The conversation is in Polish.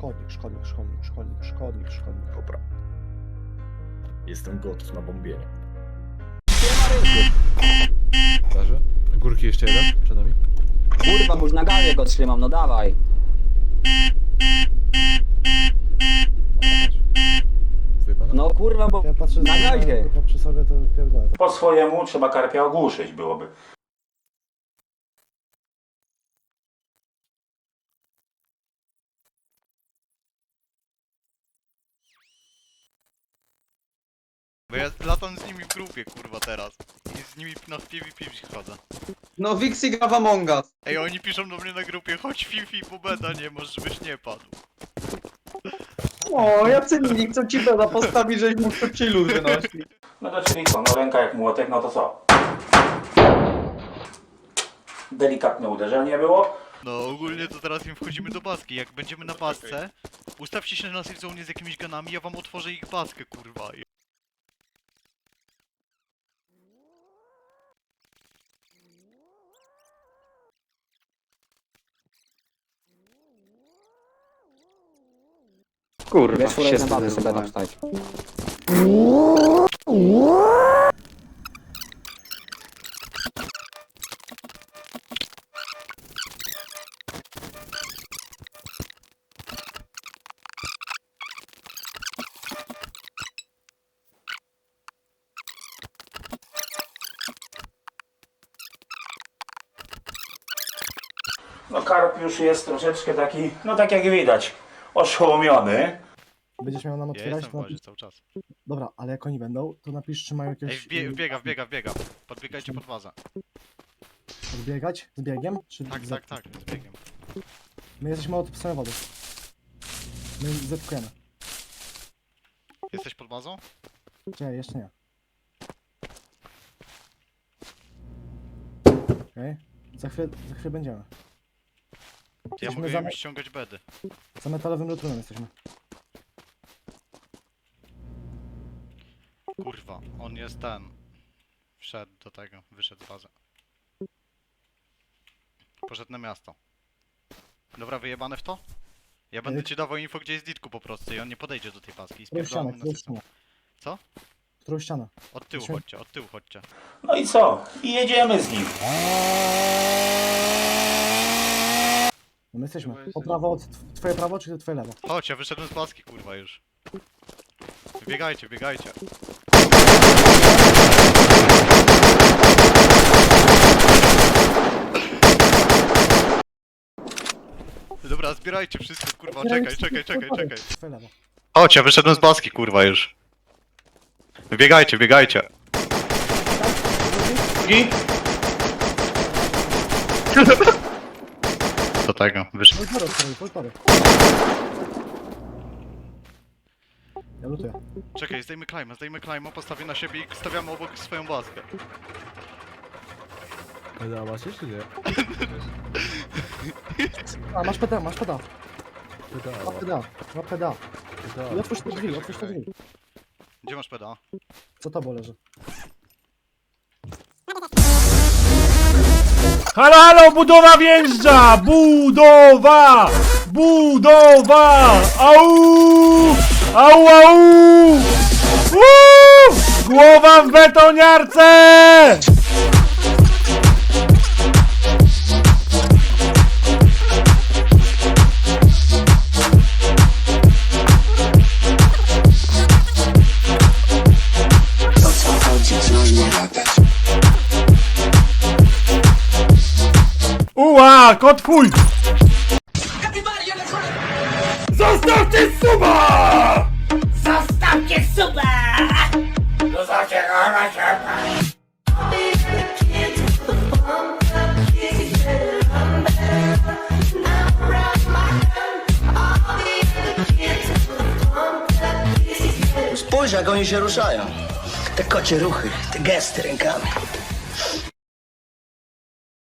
szkodnik. Dobra. Jestem gotów na bombienie. Leży. Górki jeszcze jeden, przed nami. Kurwa, bo już na gazie go trzymam, no dawaj. Wyjebana? No kurwa, bo Ja patrzę, na gazie. przy sobie to pierdolę. Po swojemu trzeba karpia ogłuszyć byłoby. Bo ja latam z nimi w grupie, kurwa, teraz. I z nimi na PvP chodzę. No Vixi gra w Among Us. Ej, oni piszą do mnie na grupie, chodź Fifi, bo beda nie masz, żebyś nie padł. O, jacy inni chcą ci beda postawić, żeś mógł to chillu wynosić. No to czyli co, no ręka jak młotek, no to co? Delikatne uderzenie było. No ogólnie to teraz im wchodzimy do baski. Jak będziemy na basce, ustawcie się na safe zone z jakimiś ganami, ja wam otworzę ich baskę, kurwa. Kurwa, Wiesz, kurwa, na bazę sobie tak stać. No karp już jest troszeczkę taki, no tak jak widać, oszołomiony. Będziesz miał nam Ja otwierać, jestem to w bazie napisz... cały czas. Dobra, ale jak oni będą, to napisz, czy mają Ej, jakieś... wbiega. Podbiegajcie pod bazę. Odbiegać? Z biegiem? Czy Tak, z... z biegiem. My jesteśmy od samej wody. My zetkujemy. Jesteś pod bazą? Czekaj, jeszcze nie. Okej. Za chwilę będziemy. Ja Jesteśmy mogę za, im ściągać bedy. za metalowym lutrunem jesteśmy. Kurwa, on jest ten. Wszedł do tego, wyszedł z bazy. Poszedł na miasto. Dobra, wyjebane w to? Ja będę ci dawał info, gdzie jest Ditku po prostu i on nie podejdzie do tej paski i Którą ścianę, spierdolamy na którą system. ścianę? Co? Którą ścianę? Od tyłu Musimy- chodźcie, od tyłu chodźcie. No i co? I jedziemy z nim. No my jesteśmy. Po prawo od... Twoje prawo, czy twoje lewo? Chodź, ja wyszedłem z paski, kurwa już. Biegajcie. Dobra, zbierajcie wszystko, kurwa, czekaj. Twoje lewo. Chodź, ja wyszedłem z baski, kurwa już. Biegajcie. Do tego, wyszedł. Poltory. Ja lutuję. Czekaj, zdejmy klejma, postawię na siebie i stawiamy obok swoją baskę. Pedała się czy nie? A, masz pedał. Masz Pedała. pedał. I Pedała. otwórz te drzwi. Gdzie masz peda? Co to leży? Halo, budowa wjeżdża! Budowa! Au! Głowa w betoniarce! Uła, kot twój! Zostawcie suba! Zostawcie suba! Spójrz, jak oni się ruszają. Te kocie ruchy, te gesty rękami.